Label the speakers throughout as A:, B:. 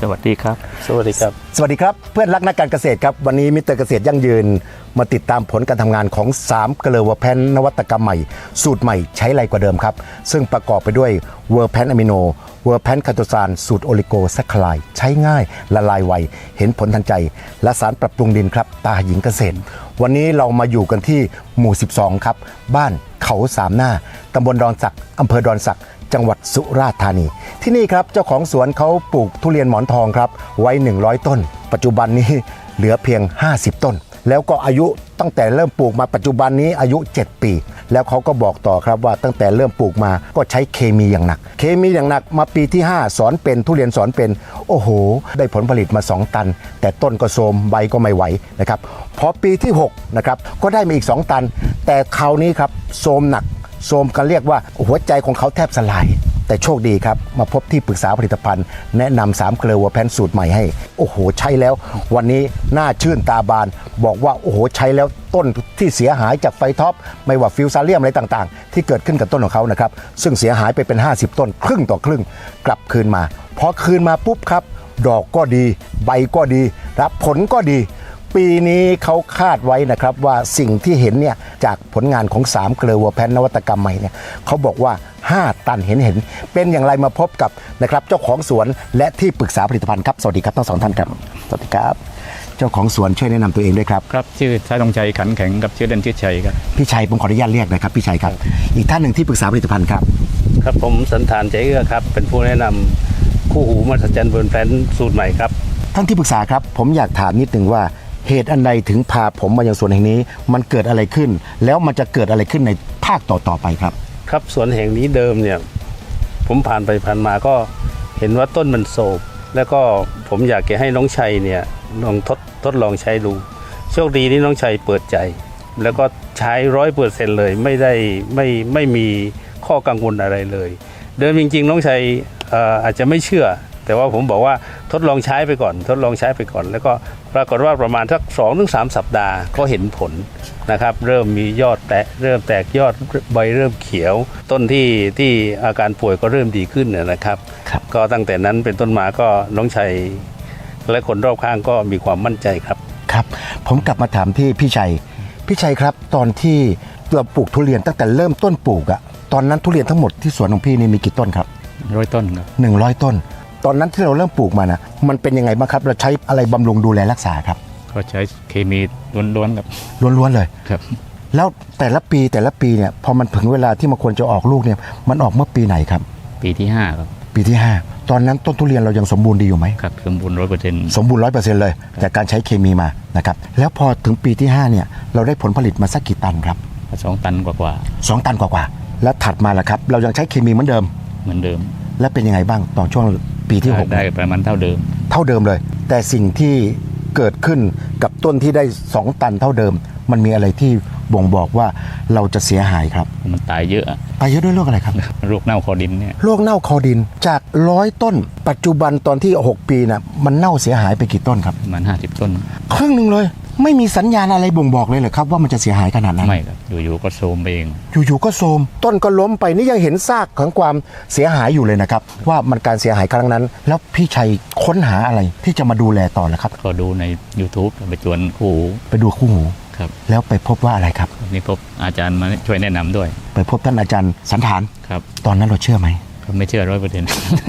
A: สวัสดีครับ
B: สวัสดีครับ
C: สวัสดีครับเพื่อนรักนักการเกษตรครับวันนี้มิสเตอร์เกษตรยั่งยืนมาติดตามผลการทำงานของ3เกลือเวอร์แพนนวัตกรรมใหม่สูตรใหม่ใช้ไรกว่าเดิมครับซึ่งประกอบไปด้วยเวอร์แพนอะมิโนเวอร์แพนคาโตซานสูตรโอลิโกแซคคลายใช้ง่ายละลายไวเห็นผลทันใจและสารปรับปรุงดินครับตาหญิงเกษตรวันนี้เรามาอยู่กันที่หมู่12ครับบ้านเขาสามหน้าตำบลดอนสักอำเภอดอนสักจังหวัดสุราษฎร์ธานีที่นี่ครับเจ้าของสวนเขาปลูกทุเรียนหมอนทองครับไว้100ต้นปัจจุบันนี้เหลือเพียง50ต้นแล้วก็อายุตั้งแต่เริ่มปลูกมาปัจจุบันนี้อายุ7ปีแล้วเขาก็บอกต่อครับว่าตั้งแต่เริ่มปลูกมาก็ใช้เคมีอย่างหนักเคมีอย่างหนักมาปีที่5สอนเป็นทุเรียนสอนเป็นโอ้โหได้ผลผลิตมา2ตันแต่ต้นก็โทรมใบก็ไม่ไหวนะครับพอปีที่6นะครับก็ได้มาอีก2ตันแต่คราวนี้ครับโทรมหนักโทรมกันเรียกว่าหัวใจของเขาแทบสลายแต่โชคดีครับมาพบที่ปรึกษาผลิตภัณฑ์แนะนำ3เกลือเวอร์แพนสูตรใหม่ให้โอ้โหใช้แล้ววันนี้หน้าชื่นตาบานบอกว่าโอ้โหใช้แล้วต้นที่เสียหายจากไฟท็อปไม่ว่าฟิวซาเลียมอะไรต่างๆที่เกิดขึ้นกับต้นของเขานะครับซึ่งเสียหายไปเป็น50ต้นครึ่งต่อครึ่งกลับคืนมาพอคืนมาปุ๊บครับดอกก็ดีใบก็ดีรับผลก็ดีปีนี้เขาคาดไว้นะครับว่าสิ่งที่เห็นเนี่ยจากผลงานของ3เกลือเวอร์แพนนวัตกรรมใหม่เนี่ยเขาบอกว่า5ตันเห็นเป็นอย่างไรมาพบกับนะครับเจ้าของสวนและที่ปรึกษาผลิตภัณฑ์ครับสวัสดีครับทั้ง2ท่านครับสวัสดีครับเจ้าของสวนช่วยแนะนำตัวเองด้วยครับ
A: ครับชื่อชายธงชัยขันแข็งกับชื่อเล่นชื่อชัยครับ
C: พี่ชัยผมขออนุญาตเรียกนะครับพี่ชัยครับอีกท่านหนึ่งที่ปรึกษาผลิตภัณฑ์ครับ
B: ครับผมสันธานใจเอื้อครับเป็นผู้แนะนำคู่หูมหัศจรรย์เวอร์แพนสูตรใหม่ครับ
C: ท่านที่ปรึกษาครับผมอยากถามนิดนึงว่าเหตุอันใดถึงพาผมมายังสวนแห่งนี้มันเกิดอะไรขึ้นแล้วมันจะเกิดอะไรขึ้นในภาคต่อไปครับ
B: ครับสวนแห่งนี้เดิมเนี่ยผมผ่านไปผ่านมาก็เห็นว่าต้นมันโศกแล้วก็ผมอยากจะให้น้องชัยเนี่ยลองทดลองใช้ดูโชคดีที่น้องชัยเปิดใจแล้วก็ใช้100%เลยไม่มีข้อกังวลอะไรเลยเดิมจริงๆน้องชัยอาจจะไม่เชื่อแต่ว่าผมบอกว่าทดลองใช้ไปก่อนแล้วก็ปรากฏว่าประมาณสัก 2-3 สัปดาห์ก็เห็นผลนะครับเริ่มมียอดเริ่มแตกยอดใบเริ่มเขียวต้นที่อาการป่วยก็เริ่มดีขึ้นนะครับก็ตั้งแต่นั้นเป็นต้นมาก็น้องชัยและคนรอบข้างก็มีความมั่นใจครับ
C: ครับผมกลับมาถามที่พี่ชัยครับตอนที่เราปลูกทุเรียนตั้งแต่เริ่มต้นปลูกอะตอนนั้นทุเรียนทั้งหมดที่สวนของพี่นี่มีกี่ต้นครับ
A: 100ต้นครับ
C: 100ต้นตอนนั้นที่เราเริ่มปลูกมานะมันเป็นยังไงบ้างครับเราใช้อะไรบำรุงดูแลรักษาครับ
A: ก็ใช้เคมีล้วนๆครับ
C: ล้วนๆเลย
A: ครับ
C: แล้วแต่ละปีเนี่ยพอมันถึงเวลาที่มันควรจะออกลูกเนี่ยมันออกเมื่อปีไหนครับ
A: ปีที่5ครับ
C: ปีที่5ตอนนั้นต้นทุเรียนเรายังสมบูรณ์ดีอยู่ไหม
A: ครับสมบูรณ์100%
C: สมบูรณ์100%เลยจากการใช้เคมีมานะครับแล้วพอถึงปีที่5เนี่ยเราได้ผลผลิตมาสักกี่ตันครับ
A: 2 ตันกว่า
C: 2 ตันกว่าแล้วถัดมาล่ะครับเรายังใช้เคมีเหมือนเดิมแล้วเป็นยังไงบ้างตอนช่วงปีที่6
A: ได้ประมาณเท่าเดิม
C: เลยแต่สิ่งที่เกิดขึ้นกับต้นที่ได้2ตันเท่าเดิมมันมีอะไรที่บ่งบอกว่าเราจะเสียหายครับ
A: มันตายเยอะ
C: ด้วยโรคอะไรครับ
A: โรคเน่าคอดินเนี่ย
C: โรคเน่าคอดินจาก100ต้นปัจจุบันตอนที่6ปีน่ะมันเน่าเสียหายไปกี่ต้นครับ
A: ประมาณ50ต้น
C: ครึ่งนึงเลยไม่มีสัญญาณอะไรบ่งบอกเลยเหรอครับว่ามันจะเสียหายขนาดนั้น
A: ไม่ครับอยู่ๆก็โทรมไปเอง
C: อยู่ๆก็โทรมต้นก็ล้มไปนี่ยังเห็นซากของความเสียหายอยู่เลยนะครับว่ามันการเสียหายครั้งนั้นแล้วพี่ชัยค้นหาอะไรที่จะมาดูแลต่อแล้วครับ
A: ก็ดูใน YouTube ไปจวน
C: ไปดูคู่หู
A: ครับ
C: แล้วไปพบว่าอะไรครับ
A: นี่พบอาจารย์มาช่วยแนะนำด้วย
C: ไปพบท่านอาจารย์สันธาน
A: ครับ
C: ตอนนั้นเราเชื่อไหม
A: ก็ไม่เชื่อ100%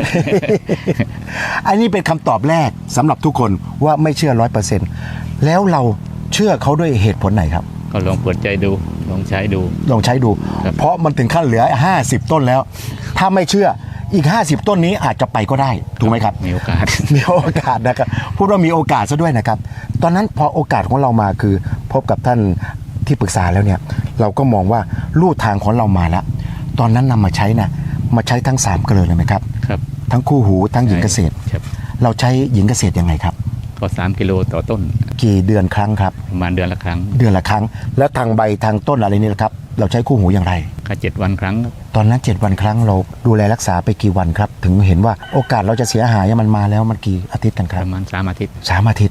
C: อันนี้เป็นคำตอบแรกสำหรับทุกคนว่าไม่เชื่อ100%แล้วเราเชื่อเขาด้วยเหตุผลไหนครับ
A: ก็ลองเปิดใจดูลองใช้ดู
C: เพราะมันถึงขั้นเหลือ50ต้นแล้วถ้าไม่เชื่ออีก50ต้นนี้อาจจะไปก็ได้ถูกไหมครับ
A: มีโอกาส
C: นะครับพูดว่ามีโอกาสซะด้วยนะครับตอนนั้นพอโอกาสของเรามาคือพบกับท่านที่ปรึกษาแล้วเนี่ยเราก็มองว่าลู่ทางของเรามาแล้วตอนนั้นนำมาใช้ทั้ง3เกลือเลยไหมครับ
A: ครับ
C: ทั้งคู่หูทั้งหญิงเกษตรเราใช้หญิงเกษตรยังไงครับ
A: ก็3กิโลต่อต้น
C: กี่เดือนครั้งครับ
A: ประมาณเดือนละครั้ง
C: แล้วทางใบทางต้นอะไรนี่ละครับเราใช้คู่หูอย่างไร
A: ก็7วันครั้ง
C: ตอนนั้น7วันครั้งเราดูแลรักษาไปกี่วันครับถึงเห็นว่าโอกาสเราจะเสียหายมันมาแล้วมันกี่อาทิตย์กันครับ
A: ประมาณ3 อาทิตย์
C: 3 อาทิตย์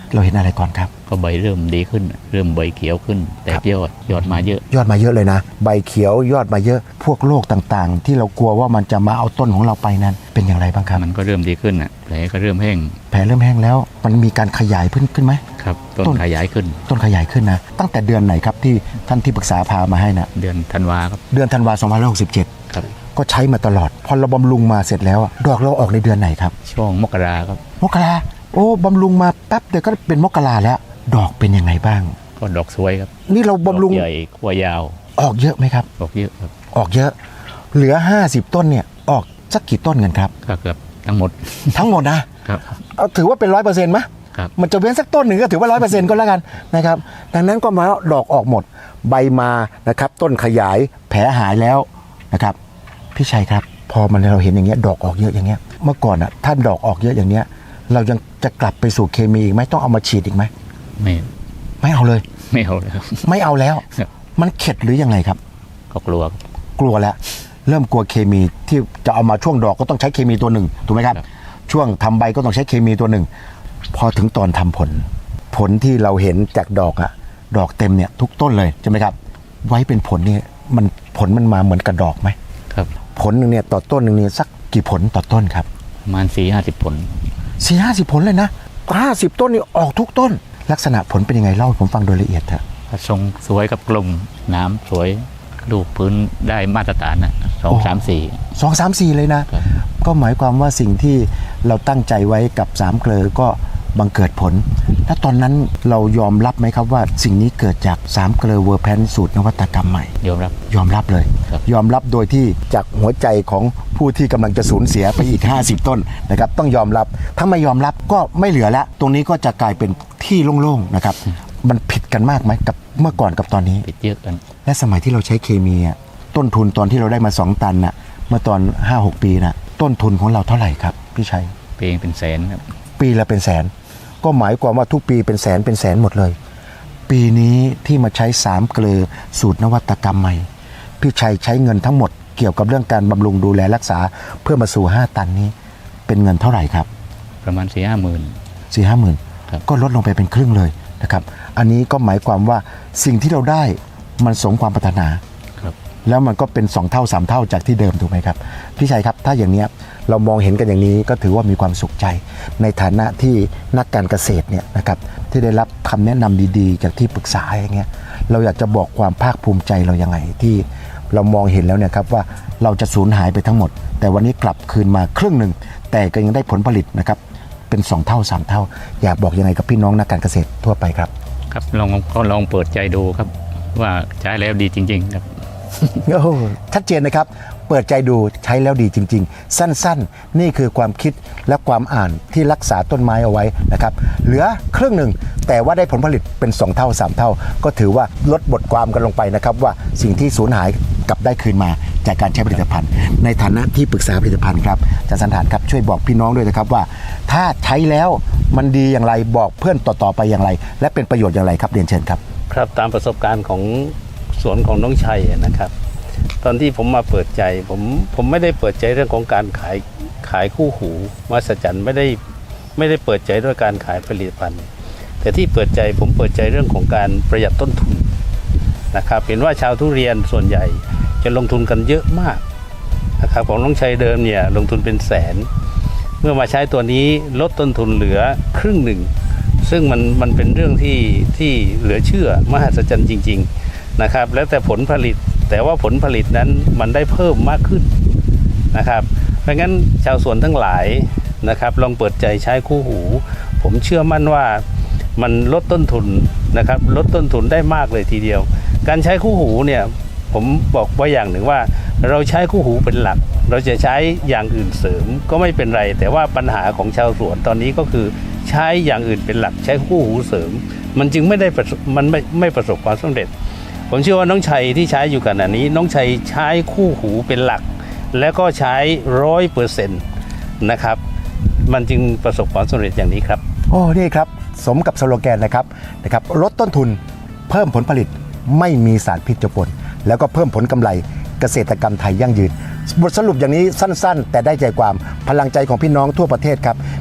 C: เราเห็นอะไรก่อนครับ
A: ก็ใบเริ่มดีขึ้น เริ่มใบเขียวขึ้น แต่ยอดมาเยอะ
C: ยอดมาเยอะเลยนะ ใบเขียวยอดมาเยอะพวกโรคต่างๆ ที่เรากลัวว่ามันจะมาเอาต้นของเราไปนั้นเป็นอย่างไรบ้างครับ
A: มันก็เริ่มดีขึ้นแผลก็เริ่มแห้ง
C: แผลเริ่มแห้งแล้วมันมีการขยายขึ้นไหม
A: ครับต้น
C: ต้น
A: ขยายขึ้น
C: ต้นขยายขึ้นนะตั้งแต่เดือนไหนครับที่ท่านที่ปรึกษาพามาให้นะ
A: เดือนธันวาครับ
C: เดือนธันวา2567
A: ครับ
C: ก็ใช้มาตลอด พอเราบำรุงมาเสร็จแล้วอะดอกเราออกในเดือนไหนครับ
A: ช่วงมกราครับ
C: มกราโอ้บำรุงมาแป๊บเดียวก็เป็นมกราแล้ว ดอกเป็นยังไงบ้าง
A: ก็ดอกสวยครับ
C: นี่เราบำรุง
A: ดอกใหญ่ขั้วยาว
C: ออกเยอะไหมครับ
A: ดอกเยอะครับ
C: ออกเยอะ เหลือ 50 ต้นเนี่ยออกสักกี่ต้นกันครับ
A: ก็เกือบทั้งหมด
C: ทั้งหมดนะครับ เอาถือว่าเป็น 100%ไหม
A: ครับ
C: มันจะเว้นสักต้นหนึ่งก็ถือว่า 100% ก็แล้วกันนะครับดังนั้นก็มาดอกออกหมด ใบมานะครับต้นขยายแผลหายแล้วนะครับพี่ชัยครับ พอมันเราเห็นอย่างเงี้ยดอกออกเยอะอย่างเงี้ยเมื่อก่อนอ่ะถ้าดอกออกเยอะอย่างเงี้ยเรายังจะกลับไปสู่เคมีอีกไหมต้องเอามาฉีดอีกไหม ไม่เอาเลย
A: ไม่เอาเลยครับ
C: ไม่เอาแล้ว
A: ครับ
C: มันเข็ดหรือยังไงครับ
A: ก็กลัวครับ
C: กลัวแล้วเริ่มกลัวเคมีที่จะเอามาช่วงดอกก็ต้องใช้เคมีตัวหนึ่งถูกไหมครับ
A: ครับ
C: ช่วงทำใบก็ต้องใช้เคมีตัวหนึ่งพอถึงตอนทำผลที่เราเห็นจากดอกอะดอกเต็มเนี่ยทุกต้นเลยใช่ไหมครับไว้เป็นผลนี่ผลมันมาเหมือนกับดอกไหม
A: ครับ
C: ผลหนึ่งเนี่ยต่อต้นหนึ่งเนี่ยสักกี่ผลต่อต้นครับ
A: ประมาณ4-50 ผล
C: 4-50 ผลเลยนะ50 ต้นนี่ออกทุกต้น ลักษณะผลเป็นยังไงเล่าให้ผมฟังโดยละเอียดเถอะ
A: ทรงสวยกับกลมน้ำสวยลูกพื้นได้มาตรฐานนะ2 3 4
C: 2 3 4เลยนะครับ ก็หมายความว่าสิ่งที่เราตั้งใจไว้กับ3 เกลอก็บังเกิดผลและตอนนั้นเรายอมรับไหมครับว่าสิ่งนี้เกิดจาก3 เกลอเวอร์แพนสูตรนวัตกรรมใหม่
A: ยอมรับ
C: ยอมรับเลย
A: ครับ
C: ยอมรับโดยที่จากหัวใจของผู้ที่กำลังจะสูญเสียไปอีก 50 ต้นนะครับต้องยอมรับถ้าไม่ยอมรับก็ไม่เหลือแล้วตรงนี้ก็จะกลายเป็นที่โล่งๆนะครับมันผิดกันมากไหมกับเมื่อก่อนกับตอนนี้
A: ปิดเยอะกัน
C: และสมัยที่เราใช้เคมีอะต้นทุนตอนที่เราได้มา2 ตันน่ะเมื่อตอน 5-6 ปีน่ะต้นทุนของเราเท่าไหร่ครับพี่ชัย
A: เพลงเป็นแสนครับ
C: ปีละเป็นแสนก็หมายความว่าทุกปีเป็นแสนหมดเลย ปีนี้ที่มาใช้3 เกลอสูตรนวัตกรรมใหม่พี่ชัยใช้เงินทั้งหมดเกี่ยวกับเรื่องการบำรุงดูแลรักษาเพื่อมาสู่5 ตันนี้เป็นเงินเท่าไหร่ครับ
A: ประมาณ4-5 หมื่น
C: 4-5 หมื่น
A: ครับ
C: ก็ลดลงไปเป็นครึ่งเลยนะครับอันนี้ก็หมายความว่าสิ่งที่เราได้มันสมความปรารถนา
A: ครับ
C: แล้วมันก็เป็น2 เท่า 3 เท่าจากที่เดิมถูกไหมครับพี่ชัยครับถ้าอย่างเนี้ยเรามองเห็นกันอย่างนี้ก็ถือว่ามีความสุขใจ ในฐานะที่นักการเกษตรเนี่ยนะครับที่ได้รับคำแนะนำดีๆ จากที่ปรึกษาอย่างเงี้ยเราอยากจะบอกความภาคภูมิใจเรายังไงที่เรามองเห็นแล้วเนี่ยครับว่าเราจะสูญหายไปทั้งหมด แต่วันนี้กลับคืนมาครึ่งหนึ่งแต่ก็ยังได้ผลผลิตนะครับเป็น2 เท่า 3 เท่า อยากบอกยังไงกับพี่น้องนักการเกษตรทั่วไปครับ
A: ครับลองเปิดใจดูครับ ว่าใช้แล้วดีจริงๆครับ
C: โอ้โหชัดเจนนะครับ เปิดใจดูใช้แล้วดีจริง ๆ สั้นๆ นี่คือความคิดและความอ่านที่รักษาต้นไม้เอาไว้นะครับ เหลือครึ่งหนึ่งแต่ว่าได้ผลผลิตเป็น2 เท่า 3 เท่า ก็ถือว่าลดบทความกันลงไปนะครับว่าสิ่งที่สูญหายกลับได้คืนมาจากการใช้ผลิตภัณฑ์ ในฐานะที่ปรึกษาผลิตภัณฑ์ครับอาจารย์สันฐานครับช่วยบอกพี่น้องด้วยนะครับว่า ถ้าใช้แล้วมันดีอย่างไรบอกเพื่อนต่อๆไปอย่างไร และเป็นประโยชน์อย่างไรครับเรียนเชิญครับ
B: ครับตามประสบการณ์ของสวนของน้องชัยนะครับ ตอนที่ผมมาเปิดใจผมไม่ได้เปิดใจเรื่องของการขายคู่หูมหัศจรรย์ไม่ได้เปิดใจด้วยการขายผลิตภัณฑ์ แต่ที่เปิดใจผมเปิดใจเรื่องของการประหยัดต้นทุนนะครับเห็นว่าชาวทุเรียนส่วนใหญ่จะลงทุนกันเยอะมากนะครับของน้องชัยเดิมเนี่ยลงทุนเป็นแสน เมื่อมาใช้ตัวนี้ลดต้นทุนเหลือครึ่งหนึ่ง ซึ่งมันเป็นเรื่องที่เหลือเชื่อมหัศจรรย์จริงๆนะครับแล้วแต่ผลผลิตแต่ว่าผลผลิตนั้นมันได้เพิ่มมากขึ้นนะครับเพราะงั้นชาวสวนทั้งหลายนะครับลองเปิดใจใช้คู่หูผมเชื่อมั่นว่ามันลดต้นทุนนะครับลดต้นทุนได้มากเลยทีเดียว การใช้คู่หูเนี่ยผมบอกไว้อย่างหนึ่งว่าเราใช้คู่หูเป็นหลักเราจะใช้อย่างอื่นเสริมก็ไม่เป็นไรแต่ว่าปัญหาของชาวสวนตอนนี้ก็คือใช้อย่างอื่นเป็นหลักใช้คู่หูเสริมมันจึงไม่ประสบความสำเร็จผมเชื่อว่าน้องชัยที่ใช้อยู่ขณะนี้น้องชัยใช้คู่หูเป็นหลักแล้วก็ใช้100%นะครับมันจึงประสบความสำเร็จอย่างนี้ครับ
C: โอ้นี่ครับสมกับสโลแกนนะครับลดต้นทุนเพิ่มผลผลิตไม่มีสารพิษเจือปนแล้วก็เพิ่มผลกำไรเกษตรกรรมไทยยั่งยืนบทสรุปอย่างนี้สั้นๆ แต่ได้ใจความพลังใจของพี่น้องทั่วประเทศครับ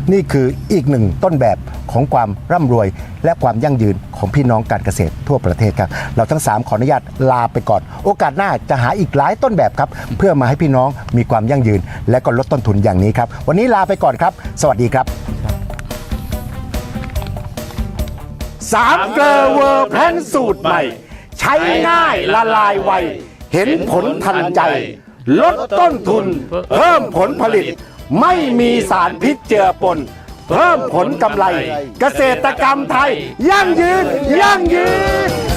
C: นี่คืออีกหนึ่งต้นแบบของความร่ำรวยและความยั่งยืนของพี่น้องการเกษตรทั่วประเทศครับเราทั้ง3ขออนุญาตลาไปก่อนโอกาสหน้าจะหาอีกหลายต้นแบบครับเพื่อมาให้พี่น้องมีความยั่งยืน และก็ลดต้นทุนอย่างนี้ครับวันนี้ลาไปก่อนครับสวัสดีครับ3 เกลอเวอร์แพนสูตรใหม่ใช้ง่ายละลายไวเห็นผลทันใจลดต้นทุนเพิ่มผลผลิตไม่มีสารพิษเจือปนเพิ่มผลกำไรเกษตรกรรมไทยยั่งยืน